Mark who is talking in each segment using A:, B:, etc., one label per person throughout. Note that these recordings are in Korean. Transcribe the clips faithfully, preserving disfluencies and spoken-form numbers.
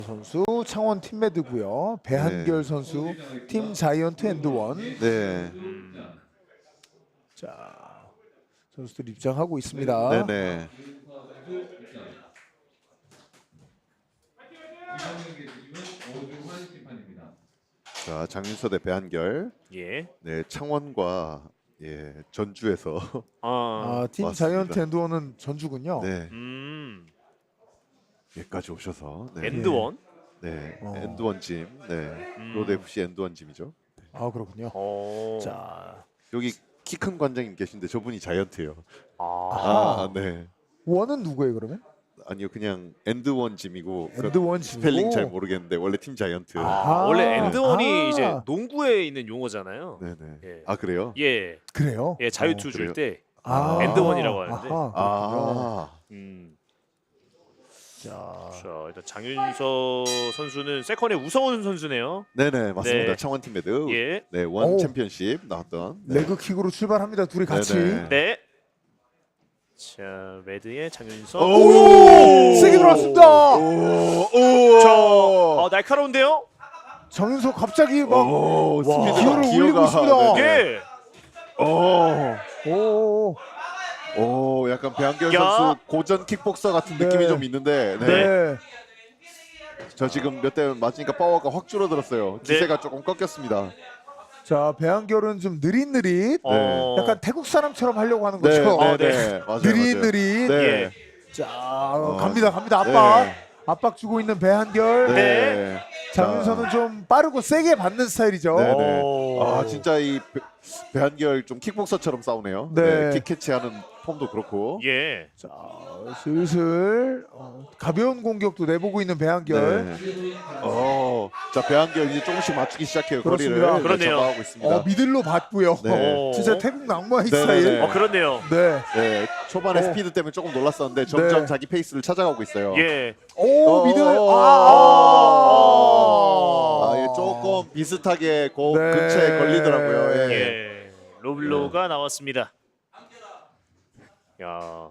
A: 선수 창원 팀메드고요. 배한결
B: 네.
A: 선수 팀 자이언트 앤드원.
B: 네.
A: 자, 선수들 입장하고 있습니다.
B: 네네. 자, 장윤서 대 배한결.
C: 예.
B: 네, 창원과 예 전주에서
C: 아.
A: 아, 팀
B: 맞습니다.
A: 자이언트 앤드원은 전주군요.
B: 네
C: 음.
B: 여기까지 오셔서 네,
C: 엔드원.
B: 네
A: 어.
B: 엔드원 짐, 네
C: 음.
B: 로드 에프씨 엔드원 짐이죠.
A: 아, 그렇군요.
C: 어.
A: 자,
B: 여기 키 큰 관장님 계신데 저분이 자이언트예요.
C: 아.
B: 아, 네.
A: 원은 누구예요, 그러면?
B: 아니요, 그냥 엔드원 짐이고 그
A: 엔드원
B: 스펠링 잘
A: 짐이고.
B: 모르겠는데 원래 팀 자이언트.
C: 아,
A: 아하.
C: 원래 엔드원이
A: 아.
C: 이제 농구에 있는 용어잖아요.
B: 네네.
C: 예.
B: 아 그래요?
C: 예.
A: 그래요?
C: 예, 자유투
B: 어,
C: 줄
B: 그래요?
C: 때.
A: 아,
C: 엔드원이라고 하는데.
A: 아하, 그렇군요.
B: 아,
C: 음.
A: 자,
C: 자, 일단 장윤서 선수는 세컨의 우성훈 선수네요.
B: 네네 맞습니다.
C: 네.
B: 창원 팀 매드.
C: 예.
B: 네, 원
A: 오.
B: 챔피언십 나왔던. 네.
A: 레그킥으로 출발합니다. 둘이 같이.
B: 네네.
C: 네. 자, 매드의 장윤서.
A: 오! 세게 들어왔습니다.
B: 오, 오,
C: 자, 어, 날카로운데요?
A: 정윤석 갑자기 막
B: 오, 스피드가,
A: 기어를 올리고 있습니다.
B: 네네.
C: 예.
B: 오,
A: 오,
B: 오, 약간 배한결
C: 야.
B: 선수 고전 킥복서 같은
A: 네.
B: 느낌이 좀 있는데. 네.
A: 네.
B: 저 지금 몇 대 맞으니까 파워가 확 줄어들었어요. 기세가 조금 꺾였습니다.
A: 자, 배한결은 좀 느릿느릿,
C: 어.
A: 약간 태국 사람처럼 하려고 하는
B: 네,
A: 거죠.
B: 네,
C: 어,
B: 네,
C: 네.
B: 맞아요, 맞아요.
A: 느릿느릿.
B: 네.
C: 예.
A: 자, 갑니다, 갑니다. 압박,
B: 아, 네.
A: 압박 주고 있는 배한결.
B: 네.
A: 장윤서는 좀 빠르고 세게 받는 스타일이죠.
B: 네, 네.
C: 오.
B: 아, 진짜 이 배- 배한결 좀 킥복서처럼 싸우네요.
A: 네.
B: 네. 킥 캐치하는 폼도 그렇고.
C: 예.
A: 자, 슬슬 어, 가벼운 공격도 내보고 있는 배한결.
B: 네. 어, 자 배한결 이제 조금씩 맞추기 시작해요.
A: 그렇습니다.
B: 거리를
C: 그러네요.
B: 잡아가고 있습니다.
A: 어, 미들로 받고요.
B: 네.
A: 진짜 태국 낭만의
B: 네,
A: 스타일.
B: 네, 네.
C: 어, 그렇네요.
A: 네.
B: 네, 초반에
A: 어.
B: 스피드 때문에 조금 놀랐었는데 점점
A: 네.
B: 자기 페이스를 찾아가고 있어요.
C: 예.
A: 오,
B: 어,
A: 미들.
B: 어,
A: 아.
B: 아, 예, 조금 비슷하게 그
A: 네.
B: 근처에 걸리더라고요. 예.
C: 예. 로블로가 나왔습니다. 야.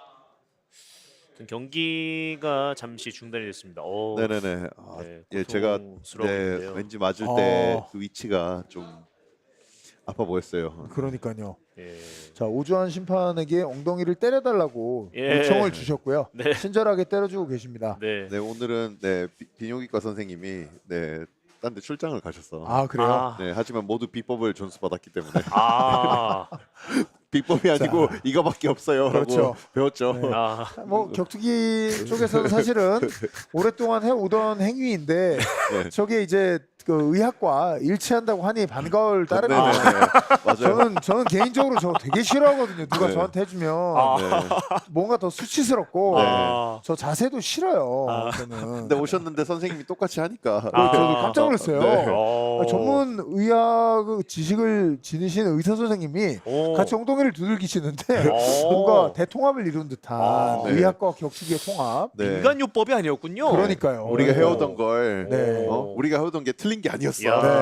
C: 아무튼 경기가 잠시 중단이 됐습니다. 오.
B: 네네네. 아,
C: 네,
B: 예, 제가 네,
C: 고통스러운데요.
B: 왠지 맞을
A: 어.
B: 때 그 위치가 좀 아파 보였어요.
A: 그러니까요.
C: 예.
A: 자, 오주환 심판에게 엉덩이를 때려달라고
C: 예.
A: 요청을 주셨고요.
C: 네.
A: 친절하게 때려주고 계십니다.
C: 네.
B: 네, 오늘은 네 비- 비뇨기과 선생님이 네, 딴 데 출장을 가셨어.
A: 아, 그래요?
C: 아.
B: 네, 하지만 모두 비법을 전수받았기 때문에
C: 아.
B: 비법이 아니고 이거밖에 없어요라고
A: 그렇죠.
B: 배웠죠.
A: 네.
C: 아.
A: 뭐 격투기 쪽에서는 사실은 오랫동안 해오던 행위인데
B: 네.
A: 저게 이제 그 의학과 일치한다고 하니 반가울 따름입니다.
B: 네네네. 맞아요.
A: 저는 저는 개인적으로 저거 되게 싫어하거든요. 누가
B: 네.
A: 저한테 해주면
C: 아.
B: 네.
A: 뭔가 더 수치스럽고
C: 아.
A: 저 자세도 싫어요.
C: 아.
A: 저는.
B: 근데 오셨는데 선생님이 똑같이 하니까
C: 아.
A: 저도 깜짝 놀랐어요.
B: 네.
C: 어.
A: 아, 전문 의학 지식을 지니시는 의사 선생님이
C: 오.
A: 같이 엉덩이를 두들기시는데
C: 오.
A: 뭔가 대통합을 이룬 듯한
C: 아,
B: 네.
A: 의학과 격투기의 통합.
B: 네.
C: 인간요법이 아니었군요.
A: 그러니까요.
B: 우리가
A: 네.
B: 해오던 걸
A: 네.
B: 어? 우리가 해오던 게 틀린 게 아니었어.
C: 야.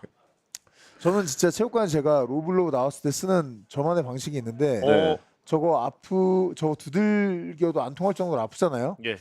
A: 저는 진짜 체육관 제가 로블로 나왔을 때 쓰는 저만의 방식이 있는데
B: 네.
A: 저거 아프 저거 두들겨도 안 통할 정도로 아프잖아요.
C: 예.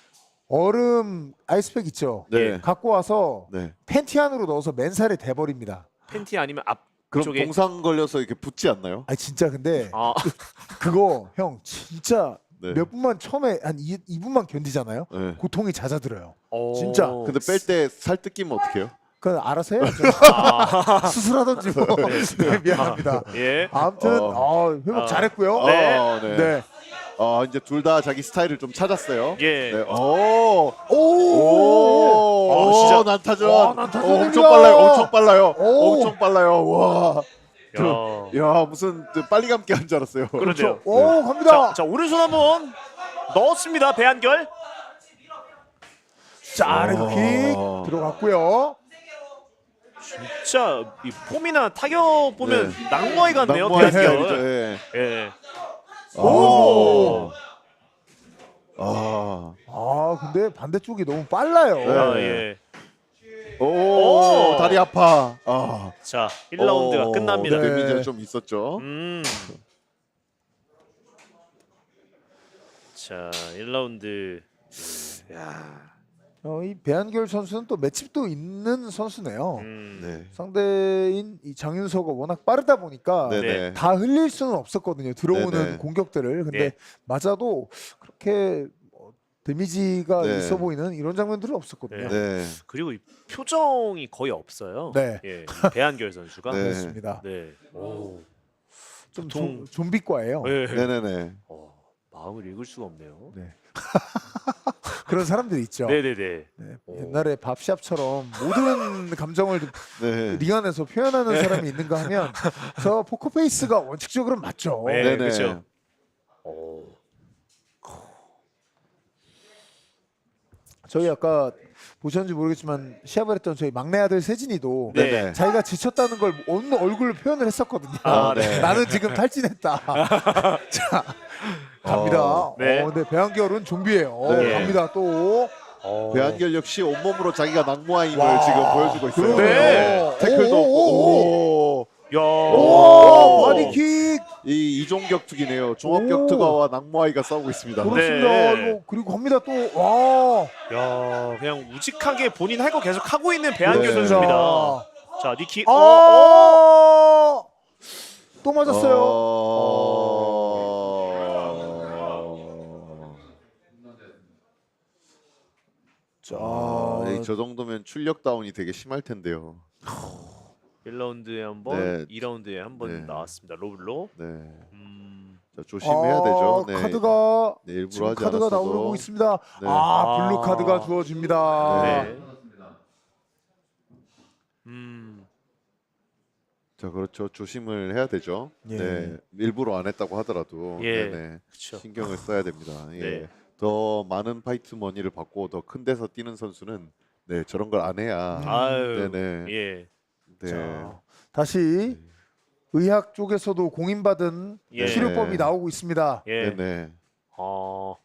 A: 얼음 아이스팩 있죠.
B: 네.
A: 갖고 와서
B: 네.
A: 팬티 안으로 넣어서 맨살에 대버립니다.
C: 팬티 아니면 앞
B: 그럼
C: 쪽에
B: 동상 걸려서 이렇게 붙지 않나요?
A: 아 진짜 근데
C: 아.
A: 그거 형 진짜
B: 네.
A: 몇 분만 처음에 한 이 분만 견디잖아요.
B: 네.
A: 고통이 잦아들어요.
C: 오.
A: 진짜.
B: 근데 뺄 때 살 뜯기면 어떡해요?
A: 그건 알아서 해야죠.
C: 아.
A: 수술하든지 뭐. 네, 미안합니다.
C: 예.
A: 아무튼
B: 어.
A: 어, 회복
C: 아.
A: 잘했고요.
C: 네.
B: 어, 네.
A: 네.
B: 어, 이제 둘 다 자기 스타일을 좀 찾았어요.
C: 예.
B: 네. 오.
A: 오.
B: 오.
C: 어, 진짜.
B: 오, 난타전.
A: 와, 난타전이야.
B: 어, 엄청 빨라요. 엄청 빨라요.
A: 오.
B: 엄청 빨라요. 와.
C: 야.
B: 야, 무슨 그 빨리 감기 한 줄 알았어요.
C: 그런데요.
A: 오, 갑니다.
C: 자, 자, 오른손 한번 넣었습니다. 배한결.
A: 자, 레그킥
B: 어.
A: 들어갔고요.
C: 진짜 이 폼이나 타격 보면
B: 네.
C: 낭머이 같네요.
B: 낭만의
C: 배한결.
B: 스타일이죠. 예.
C: 예.
B: 오. 아.
A: 아, 근데 반대쪽이 너무 빨라요.
B: 네.
C: 아, 예.
B: 오,
C: 오.
B: 다리 아파. 아.
C: 자, 일 라운드가
B: 오,
C: 끝납니다.
A: 네.
B: 데미지가 좀 있었죠.
C: 음. 자, 일 라운드. 야.
A: 저희 배한결 선수는 또 맷집도 있는 선수네요.
C: 음.
B: 네.
A: 상대인 이 장윤서가 워낙 빠르다 보니까
B: 네네.
A: 다 흘릴 수는 없었거든요. 들어오는
B: 네네.
A: 공격들을. 근데
C: 네.
A: 맞아도 그렇게 뭐 데미지가
B: 네.
A: 있어 보이는 이런 장면들은 없었거든요.
B: 네.
C: 그리고 이 표정이 거의 없어요.
A: 네.
C: 예, 이 배한결 선수가.
B: 네.
A: 그렇습니다.
C: 네. 오.
A: 좀
C: 보통-
A: 좀, 좀비과예요.
C: 네.
B: 네네네.
C: 어, 마음을 읽을 수가 없네요.
A: 네. 그런 사람들이 있죠.
C: 네네네.
A: 네.
C: 오.
A: 옛날에 밥샵처럼 모든 감정을
B: 네.
A: 링 안에서 표현하는 사람이 있는가 하면 저 포커페이스가 원칙적으로 맞죠.
C: 네,
B: 네네.
C: 그렇죠. 오.
A: 저희 아까 보셨는지 모르겠지만 시합을 했던 저희 막내 아들 세진이도
C: 네.
B: 네네.
A: 자기가 지쳤다는 걸 어느 얼굴로 표현을 했었거든요.
C: 아, 네.
A: 나는 지금 탈진했다. 자, 갑니다.
B: 어,
C: 네.
A: 어, 네, 배한결은 좀비예요.
B: 네.
A: 갑니다. 또
C: 어.
B: 배한결 역시 온몸으로 자기가 낙모아임을
A: 와.
B: 지금 보여주고 있어요.
C: 네.
B: 태클도
A: 오, 오,
B: 없고.
C: 야.
A: 오, 바디킥.
B: 이 이종격투기네요. 종합격투가와 낙모아이가 싸우고 있습니다.
A: 그렇습니다.
C: 네.
A: 이거 그리고 갑니다. 또 와.
C: 야, 그냥 우직하게 본인 할 거 계속 하고 있는 배한결
B: 네.
C: 선수입니다. 자, 니키.
A: 아,
C: 어, 어.
A: 또 맞았어요.
B: 어...
A: 자,
B: 아, 네, 저 정도면 출력 다운이 되게 심할 텐데요.
C: 일 라운드에 한 번,
B: 네.
C: 이 라운드에 한 번
B: 네.
C: 나왔습니다. 로블로.
B: 네.
C: 음.
B: 자, 조심해야 되죠. 네.
A: 카드가
B: 네, 일부러
A: 지금
B: 하지
A: 카드가
B: 않았어도.
A: 나오고 있습니다.
B: 네.
A: 아, 블루
C: 아.
A: 카드가 주어집니다.
C: 네. 음.
B: 자, 그렇죠. 조심을 해야 되죠.
A: 예.
B: 네. 일부러 안 했다고 하더라도
C: 예.
B: 네네.
C: 그렇죠.
B: 신경을 써야 됩니다. 예.
C: 네.
B: 더 많은 파이트 머니를 받고 더 큰 데서 뛰는 선수는 네, 저런 걸 안 해야
C: 아유.
B: 네네.
C: 예.
B: 네.
A: 자, 다시 의학 쪽에서도 공인받은
C: 예.
A: 치료법이 나오고 있습니다.
C: 예.
B: 네네.
C: 어.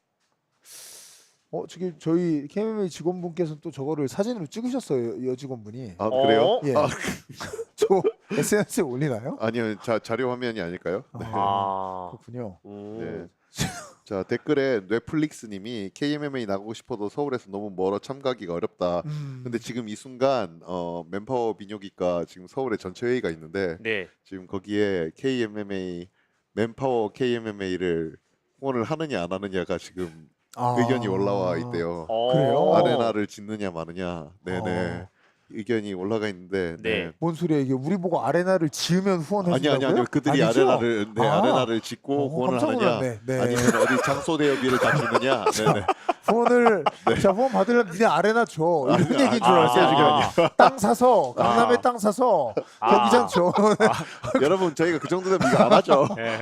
A: 어, 지금 저희 케이엠엠에이 직원분께서 또 저거를 사진으로 찍으셨어요. 여 직원분이.
B: 아,
C: 어?
B: 그래요?
A: 예.
B: 아,
A: 저 에스엔에스에 올리나요?
B: 아니요. 자, 자료 화면이 아닐까요? 네.
C: 아.
A: 그렇군요.
C: 오.
B: 네. 자, 댓글에 넷플릭스 님이 케이엠엠에이 나가고 싶어도 서울에서 너무 멀어 참가하기가 어렵다.
A: 음.
B: 근데 지금 이 순간 어, 맨파워 비뇨기과 지금 서울에 전체 회의가 있는데
C: 네.
B: 지금 거기에 케이엠엠에이 맨파워 케이엠엠에이를 후원을 하느냐 안 하느냐가 지금
A: 아.
B: 의견이 올라와 있대요.
C: 어.
A: 그래요?
B: 아레나를 짓느냐 마느냐. 네네.
A: 어.
B: 의견이 올라가 있는데.
C: 네.
A: 뭔 소리야 이게? 우리 보고 아레나를 지으면 후원해
B: 아니
A: 준다고요?
B: 아니 아니요. 그들이
A: 아니죠?
B: 아레나를 네,
A: 아.
B: 아레나를 짓고
A: 어,
B: 후원을
A: 깜짝
B: 하느냐.
A: 놀랐네. 네.
B: 아니면 어디 장소 대여비를 다 주느냐. 네네.
A: 후원을 자 후원 받으려면 니네 아레나 줘 이런
B: 아니,
A: 얘기인 줄
C: 아,
A: 알았어요.
C: 아,
A: 땅 사서 강남에
B: 아.
A: 땅 사서
C: 아.
A: 경기장 줘.
B: 여러분 저희가 그 정도 되면 이거 안 하죠.
C: 예.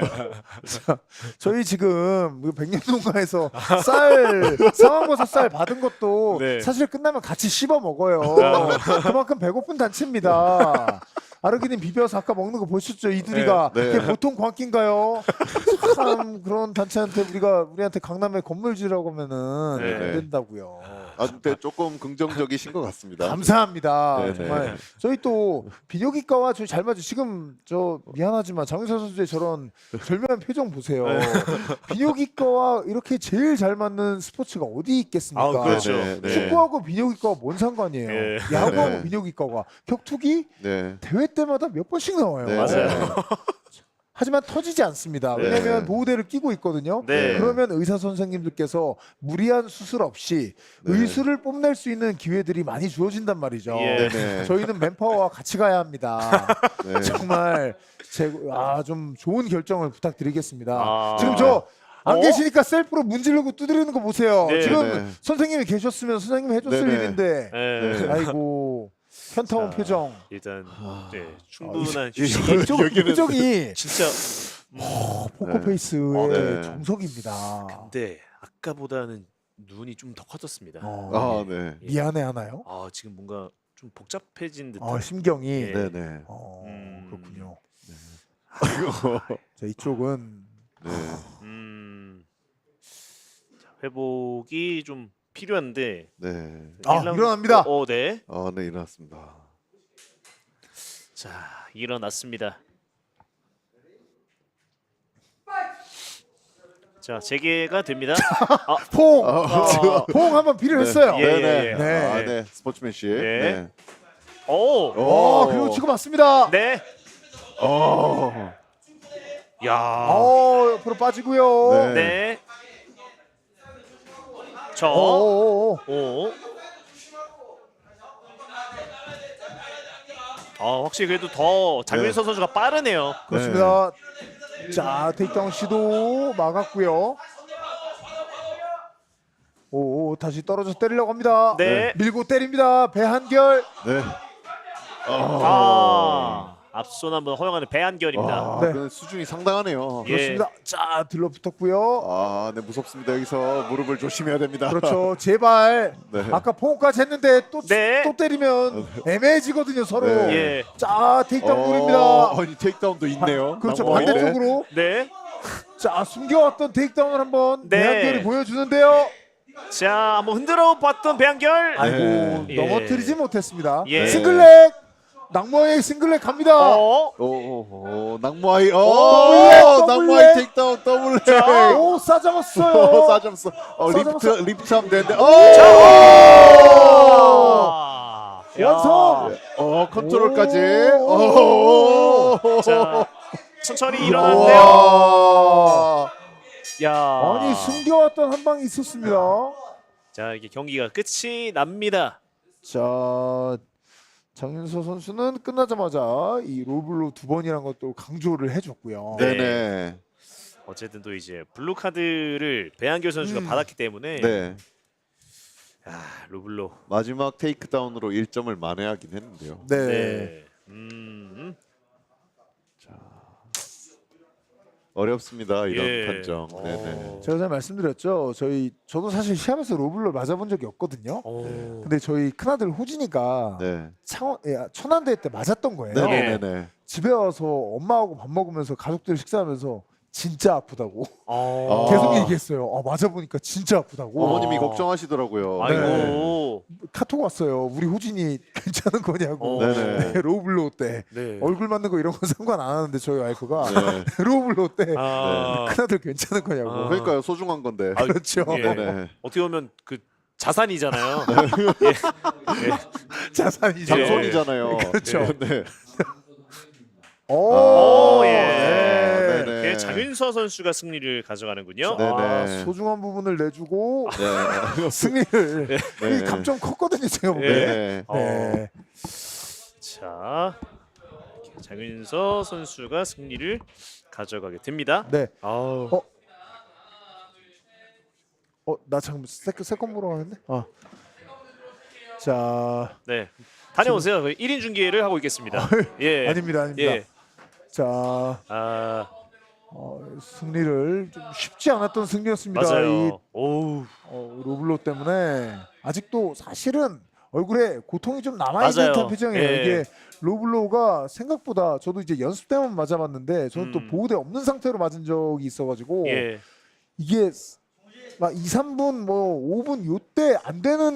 A: 저희 지금 그 백년농가에서 쌀 상황버섯 쌀 받은 것도
C: 네.
A: 사실 끝나면 같이 씹어 먹어요. 그만큼 배고픈 단체입니다. 아르기닌 비벼서 아까 먹는 거 보셨죠? 이두리가
B: 네. 네.
A: 그게 보통 광기인가요? 참 그런 단체한테 우리가 우리한테 강남에 건물 지라고 하면은
C: 네.
A: 안 된다고요.
B: 아 근데 조금 긍정적이신 것 같습니다.
A: 감사합니다.
B: 네네.
A: 정말 저희 또 비뇨기과와 저희 잘 맞죠. 지금 저 미안하지만 장윤서 선수의 저런 절묘한 표정 보세요.
C: 네.
A: 비뇨기과와 이렇게 제일 잘 맞는 스포츠가 어디 있겠습니까?
C: 아, 그렇죠.
B: 네, 네.
A: 축구하고 비뇨기과가 뭔 상관이에요?
C: 예.
A: 야구하고
B: 네.
A: 비뇨기과가 격투기
B: 네.
A: 대회 때마다 몇 번씩 나와요.
B: 네.
C: 맞아요.
A: 하지만 터지지 않습니다.
B: 네.
A: 왜냐하면 보호대를 끼고 있거든요.
C: 네.
A: 그러면 의사 선생님들께서 무리한 수술 없이
B: 네.
A: 의술을 뽐낼 수 있는 기회들이 많이 주어진단 말이죠.
C: 예.
B: 네네.
A: 저희는 맨파워와 같이 가야 합니다.
B: 네.
A: 정말 제아좀 좋은 결정을 부탁드리겠습니다.
C: 아.
A: 지금 저 안
C: 어?
A: 계시니까 셀프로 문지르고 두드리는 거 보세요.
C: 네.
A: 지금
B: 네.
A: 선생님이 계셨으면 선생님이 해줬을
B: 네네.
A: 일인데
C: 예.
A: 아이고 현타온
C: 자,
A: 표정.
C: 일단
A: 아.
C: 네, 충분한
B: 이-
C: 휴식.
B: 이-
A: 이쪽
B: 여기는-
A: 표정이
C: 진짜.
A: 포커페이스의
C: 어,
B: 네.
A: 정석입니다.
C: 근데 아까보다는 눈이 좀 더 커졌습니다.
A: 어,
B: 아
A: 네.
B: 네.
C: 예.
A: 미안해 하나요?
C: 아 지금 뭔가 좀 복잡해진 듯한.
A: 어, 심경이
C: 예.
B: 네네.
A: 어,
C: 음.
A: 그렇군요.
B: 아이고.
A: 자 이쪽은
B: 네.
C: 음. 자, 회복이 좀 필요한데.
B: 네.
A: 아,
C: 일 라운드-
A: 일어납니다.
C: 어, 어, 네.
B: 아, 네 일어났습니다.
C: 자 일어났습니다. 자 재개가 됩니다. 아,
A: 포옹,
C: 아,
A: 포옹 한번 비를 했어요.
C: 예, 예,
B: 네네.
C: 예.
A: 네.
B: 아, 네. 스포츠맨십.
C: 네.
B: 네.
C: 오,
A: 어, 그리고 치고 맞습니다.
C: 네.
B: 어.
C: 야,
A: 어, 옆으로 빠지고요.
B: 네.
C: 네. 저,
A: 오,
C: 오. 아 확실히 그래도 더 장윤서 선수가 빠르네요.
A: 그렇습니다. 자, 테이크다운 시도 막았고요. 오, 오, 다시 떨어져 때리려고 합니다.
C: 네.
A: 밀고 때립니다. 배한결.
B: 네.
C: 아 앞손 한번 허용하는 배한결입니다.
B: 아,
A: 네.
B: 그 수준이 상당하네요.
C: 예.
A: 그렇습니다. 자, 들러붙었고요.
B: 아, 네 무섭습니다. 여기서 무릎을 조심해야 됩니다.
A: 그렇죠. 제발.
B: 네.
A: 아까 포옹까지 했는데 또,
C: 네.
A: 또 때리면 애매해지거든요, 서로.
B: 네.
C: 예.
A: 자, 테이크다운
B: 어,
A: 노립니다.
B: 아니 테이크다운도 있네요.
A: 그렇죠.
B: 낭만인데.
A: 반대쪽으로.
C: 네.
A: 자, 숨겨왔던 테이크다운을 한번
C: 네.
A: 배한결이 보여주는데요.
C: 자 한번 흔들어 봤던 배한결.
A: 아이고,
B: 네.
A: 넘어뜨리지 못했습니다.
C: 예.
A: 싱글렉. 낭모의 싱글렉 갑니다.
C: 어.
B: 오, 오, 오, 낭마이. 오,
A: 더블렉, 더블렉.
B: 낭마이 테이크다운 더블.
C: 자.
A: 오, 싸잡았어요.
B: 오, 싸점수. 어,
A: 싸점수.
B: 리프트 리프트 하면 되는데. 오!
C: 아. 야.
A: 완성.
B: 어, 컨트롤까지.
A: 오.
B: 오!
C: 자 천천히 일어났는데요.
B: 와.
C: 야.
A: 아니, 숨겨왔던 한 방이 있었습니다.
C: 자 이게 경기가 끝이 납니다.
A: 자, 장윤서 선수는 끝나자마자 이 롤블로 두 번이라는 것도 강조를 해줬고요.
C: 네.
B: 네네.
C: 어쨌든 또 이제 블루 카드를 배한결 선수가
A: 음.
C: 받았기 때문에
B: 네.
C: 아 루블로.
B: 마지막 테이크다운으로 일 점을 만회하긴 했는데요.
A: 네.
C: 네. 음.
B: 어렵습니다. 이런
C: 예.
B: 판정.
C: 어.
B: 네네.
A: 제가 잘 말씀드렸죠. 저희 저도 사실 시합에서 롤블로 맞아본 적이 없거든요.
C: 오.
A: 근데 저희 큰아들 호진이가
B: 네.
A: 창원 예, 천안대회 때 맞았던 거예요.
B: 네네네.
A: 집에 와서 엄마하고 밥 먹으면서 가족들 식사하면서 진짜 아프다고
C: 어.
A: 계속 얘기했어요. 아, 맞아보니까 진짜 아프다고.
B: 어머님이
C: 어.
B: 걱정하시더라고요.
C: 아이고.
A: 카톡 왔어요. 우리 호진이 괜찮은 거냐고.
C: 어.
B: 네네.
A: 로블로 때
C: 네.
A: 얼굴 맞는 거 이런 건 상관 안 하는데 저희 와이프가
B: 네.
A: 로블로 때
C: 아.
A: 큰아들 괜찮은 거냐고.
C: 아.
B: 그러니까요. 소중한 건데.
C: 아,
A: 그렇죠.
C: 예.
B: 네네.
C: 어떻게 보면 그 자산이잖아요.
A: 자산이죠.
C: 예.
B: 장손이잖아요.
A: 그렇죠.
B: 네.
A: 오,
C: 오, 예.
A: 네.
B: 네네.
C: 이렇게 장윤서 선수가 승리를 가져가는군요.
B: 네.
A: 아,
B: 네네.
A: 소중한 부분을 내주고
B: 네.
A: 승리를
B: 네.
A: 이 감점 컸거든요, 제가 보기에.
C: 예.
B: 네.
A: 네.
C: 자, 이렇게 장윤서 선수가 승리를 가져가게 됩니다.
A: 네.
C: 아우.
A: 어? 어, 나 잠깐 세컨 세컨 보러 가는데. 아. 자,
C: 네. 다녀오세요. 저희 일 인 중계를 하고 있겠습니다. 예.
A: 아닙니다, 아닙니다.
C: 예.
A: 자,
C: 아,
A: 어, 승리를 좀 쉽지 않았던 승리였습니다. 이
C: 맞아요. 오우.
A: 어, 로블로 때문에 아직도 사실은 얼굴에 고통이 좀 남아있는
C: 맞아요.
A: 듯한 표정이에요.
C: 예.
A: 이게 로블로가 생각보다 저도 이제 연습 때만 맞아봤는데 저는
C: 음.
A: 또 보호대 없는 상태로 맞은 적이 있어가지고
C: 예.
A: 이게 막 이, 삼 분 뭐 오 분 요때 안 되는